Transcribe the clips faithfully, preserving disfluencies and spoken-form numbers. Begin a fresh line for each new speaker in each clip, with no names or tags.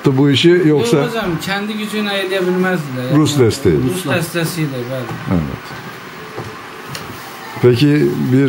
yaptı bu işi yoksa?
Yok hocam, kendi gücüne edebilmezdi. Yani.
Rus desteği.
Rus desteğiyle böyle.
Evet. Peki bir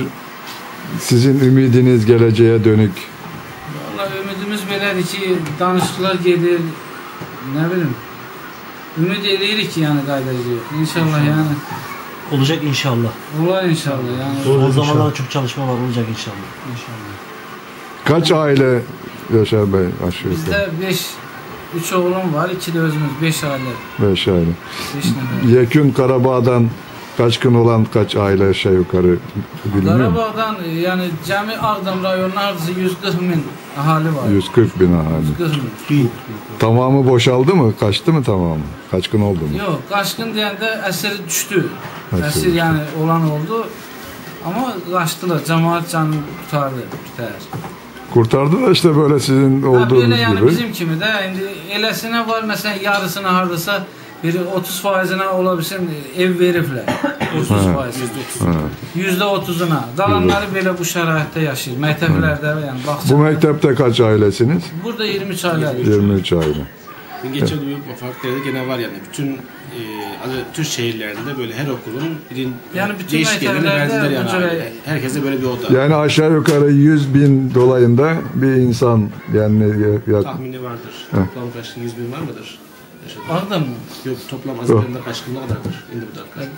sizin ümidiniz geleceğe dönük?
Vallahi ümidimiz belədir ki, danışıqlar gedir, ne bileyim. Ümid edirik ki yani qayıdacağıq. İnşallah, inşallah yani.
Olacak inşallah.
Olar inşallah yani.
O zamanlarda çok çalışma var, olacak inşallah.
İnşallah.
Kaç aile Yaşar Bey aşağı yukarı?
Bizde beş, üç oğlum var, iki de özümüz, beş aile.
Beş aile.
Beş nefer.
Yekün Karabağ'dan kaçkın olan kaç aile aşağı yukarı biliniyor mu?
Karabağ'dan yani cami Ağdam rayonunun hardası yüz kırk bin ahali var.
yüz kırk bin ahali.
yüz kırk bin.
Tamamı boşaldı mı? Kaçtı mı tamamı? Kaçkın oldu mu?
Yok, kaçkın deyəndə əsir düştü.
Əsir
Əsir yani olan oldu. Ama kaçtılar. Cemaat canını kurtardı. Biter.
Kurtardı da işte böyle sizin
Ha,
olduğunuz
böyle yani
gibi.
bizim kimi de indi elesine var mesela yarısına hardasa biri otuz faizine olabilsin ev veriblər. otuz faiz. yüzde otuzuna. Qalanları belə bu şəraitdə yaşayır. Məktəblərdə yani
Bu mektepte kaç ailesiniz?
Burada yirmi üç aile.
yirmi üç aile.
Geçen evet. Farklı yerde gene var yani. Bütün e, Türk şehirlerinde böyle her okulun birin,
yani bütün
değişik yerlerine verdiler yani.
Böyle...
Herkese böyle bir oda.
Yani aşağı yukarı yüz bin dolayında bir insan yani ya...
tahmini vardır. Heh. Toplam kaçkın yüz bin var mıdır?
Ağdam mı?
Yok, toplam Azerbaycan'da kaçkın ne kadardır? Şimdi bu da.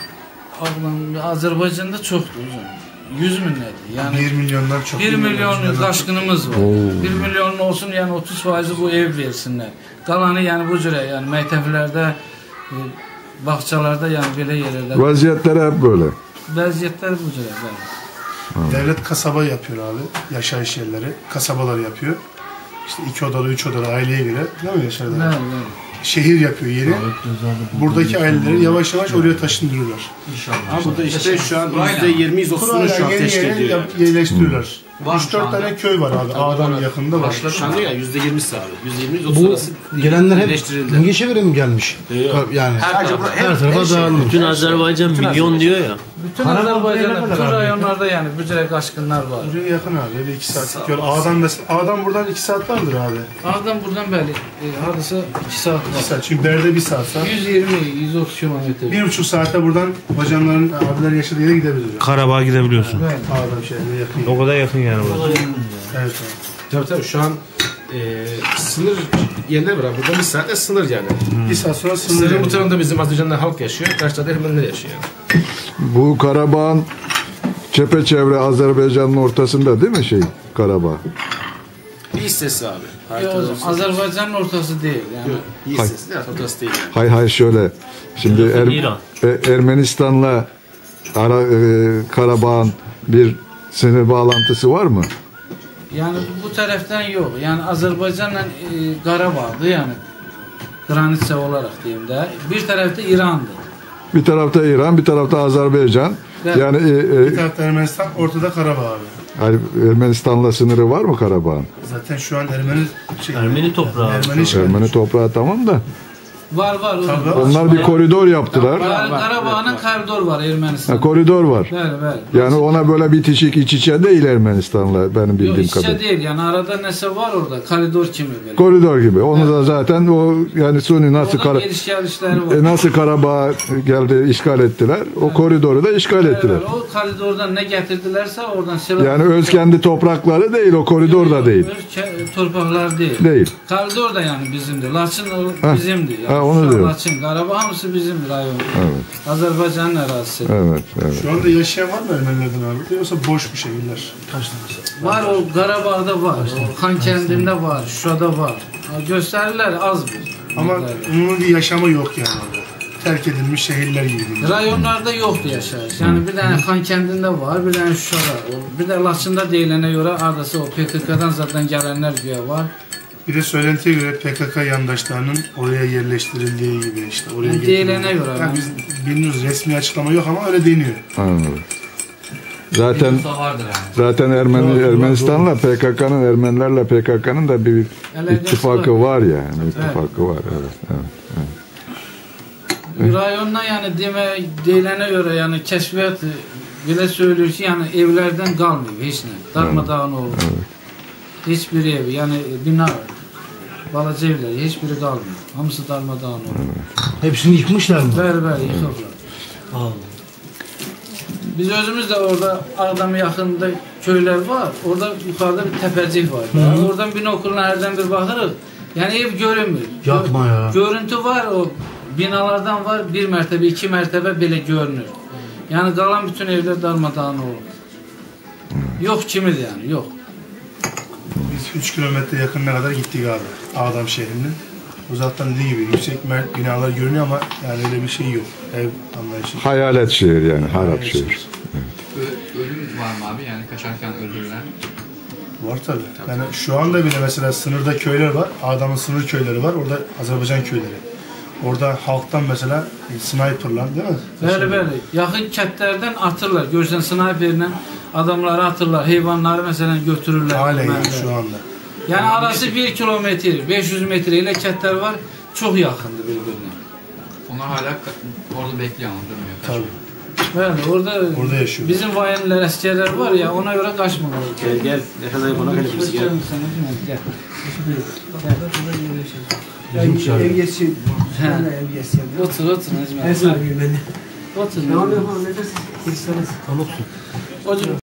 Ağdam Azerbaycan'da çoktur hocam. yüz binlerdir. Yani
bir milyondan çok.
bir milyon kaçkınımız var. Oo. bir milyon olsun yani otuz faizi bu ev versinler. Kalanı yani bu cüre yani məktəblərdə, e, bağçalarda yani belə yerlərdə.
Vaziyetler hep böyle.
Vəziyyətlər bu cüre böyle.
Devlet kasaba yapıyor abi. Yaşayış yerleri. Kasabalar yapıyor. İşte iki odalı, üç odalı aileye göre. Değil mi Yaşar?
Evet, evet.
Şehir yapıyor yeri. Buradaki aileleri yavaş yavaş oraya taşındırıyorlar.
İnşallah. Ama burada işte şu an yüzde yirmi yüzde otuzunu şu an teşkil ediyor.
Yerleştiriyorlar. üç dört tane köy var abi. Ağdam yakında var.
Şu anda ya yüzde yirmisi abi. yüzde yirmi yüzde otuz arası
gelenler hep İngilizce mi gelmiş? Yani
her tarafa
her tarafa dağılmış.
Bütün Azerbaycan milyon diyor ya.
Bütün Azerbaycan'da, bütün rayonlarda yani bu cüre kaçkınlar var.
Buraya yakın abi. Öyle iki saatlik yol. Ağdam mesela. Ağdam buradan iki saat vardır abi.
Ağdam buradan bəli. E, hardasa iki saat var.
iki saat. Çünkü Berde bir saat var.
yüz yirmi yüz otuz kilometre.
Bir buçuk saatte buradan hocamların abiler yaşadığı yere gidebiliriz.
Karabağ'a gidebiliyorsun.
Evet.
Ağdam şehrine yakın.
O kadar yakın yani burası.
Evet abi.
Tabii tabii şu an e, sınır yerler var. Burada bir saatte sınır yani.
Hmm. Bir saat sonra sınır.
Sınırın bu tarafında bizim Azerbaycan'da halk yaşıyor. Karşıda da Ermeniler yaşıyor yani.
Bu Karabağ'ın çepeçevre Azerbaycan'ın ortasında değil mi şey Karabağ?
Bir hissesi abi.
Yok, Azerbaycan'ın ortası değil yani.
Yok, bir hissesi değil, ortası değil yani.
Hay hay şöyle. Şimdi er, e, Ermenistan'la Ara, e, Karabağ'ın bir sınır bağlantısı var mı?
Yani bu taraftan yok. Yani Azerbaycan'la e, Qarabağ'dı yani. Granitse olarak diyeyim de. Bir tarafta İran'dı.
Bir tarafta İran, bir tarafta Azerbaycan.
Evet.
Yani e, e,
Bir tarafta Ermenistan, ortada Karabağ abi.
hani Ermenistan'la sınırı var mı Karabağ'ın?
Zaten şu an Ermeni şey,
Ermeni toprağı.
Ermeni, şey,
Ermeni toprağı tamam da.
Var var.
Tabii.
Onlar bir koridor yaptılar.
Yani Qarabağ'ın koridor var Ermenistan.
Ha, koridor var.
Bəli, bəli.
Yani ona böyle bitişik iç içe değil Ermenistan'la benim bildiğim
Yok, iç içe
kadarıyla.
değil yani arada nese var orada koridor kimi böyle.
Koridor gibi. Onu da zaten o yani Suni nasıl
Orada
Kara,
geliş gelişleri var.
e, nasıl Karabağ geldi işgal ettiler. O koridoru da işgal ettiler.
Evet, o koridordan ne getirdilerse oradan silah.
Yani öz kendi toprakları değil o koridor da değil.
Öz torpaqlar değil.
Değil.
Koridor da yani bizimdir. Laçın o
Ha.
bizimdir. Yani
Ha, onu
şu an
diyorum.
Laçın, Qarabağ hamısı bizimdir rayon.
Evet.
Azerbaycan'ın ərazisi.
Evet, evet.
Şu anda yaşayan var mı Ermenilerden abi? Yoksa boş bir şehirler?
Var o Qarabağ'da var, o Xankəndində var, Şuşada var. Göstərirlər az bir.
Ama onun bir yaşamı yok yani orada. Terk edilmiş şehirler gibi.
Rayonlarda yoxdur yaşayış. Yani bir dənə Xankəndində var, bir dənə Şuşada. Bir də Laçında deyilənə görə ardası o P K K'dan zaten gələnlər güya var.
Bir de söylentiye göre P K K yandaşlarının oraya yerleştirildiği gibi işte. Oraya
Yani değilene göre.
Yani biz bilmiyoruz, resmi açıklama yok ama öyle deniyor.
Anladım. Zaten zaten Ermeni Ermenistan'la P K K'nın Ermenilerle P K K'nın da bir ittifakı var yani. İttifakı var. Evet, evet, evet.
Rayonda yani deme deyilene göre yani keşfiyat bile söylüyor ki yani evlerden kalmıyor hiç ne. Darmadağın olur. Evet. Hiçbir ev yani bina Balaca evler, hiçbiri kalmıyor. Hamısı darmadağın oluyor.
Hepsini yıkmışlar mı?
Bəli, bəli, yıxıblar.
Allah.
Biz özümüz de orada Ağdam'a yakında köyler var. Orada yukarıda bir tepecik var. Yani oradan binokuluna herden bir bakırız. Yani ev görünmüyor.
Yapma ya.
Görüntü var, o binalardan var. Bir mertebe, iki mertebe bile görünür. Yani kalan bütün evler darmadağın olur. Yok kimidir yani, yok.
Biz üç kilometre yakınına kadar gittik abi. Ağdam şehrinin. Uzaktan dediği gibi yüksek mert binalar görünüyor ama yani öyle bir şey yok. Ev anlayışı.
Hayalet şehir yani, harap şehir.
Ö- ölüm var mı abi yani kaçarken öldürülen?
Var tabii. Yani şu anda bile mesela sınırda köyler var. Ağdam'ın sınır köyleri var. Orada Azerbaycan köyleri. Orada halktan mesela sniperlar değil mi?
Bəli, bəli. Yaxın kəndlərdən atırlar. Görsən sniperlə adamları atırlar. Heyvanları məsələn götürürlər.
Halen
Bəli,
yani
bəli.
şu anda.
Yani arası bir kilometre, beş yüz metre ile kətlər var. Çok yakındı birbirine.
Onlar hala ka- orada bekliyor ama durmuyor.
Tabii.
Yani orada,
Orada yaşıyor.
bizim vayinler, askerler var ya, ona göre kaçmamalı.
Gel gel. Ne kadar buna kadar biz gel.
Gel.
Ev geçsin.
He.
Ev geçsin.
Otur, otur Necmi.
Ev sahibi beni.
Otur.
Ne oluyor bu? Ne dersin?
Hocam.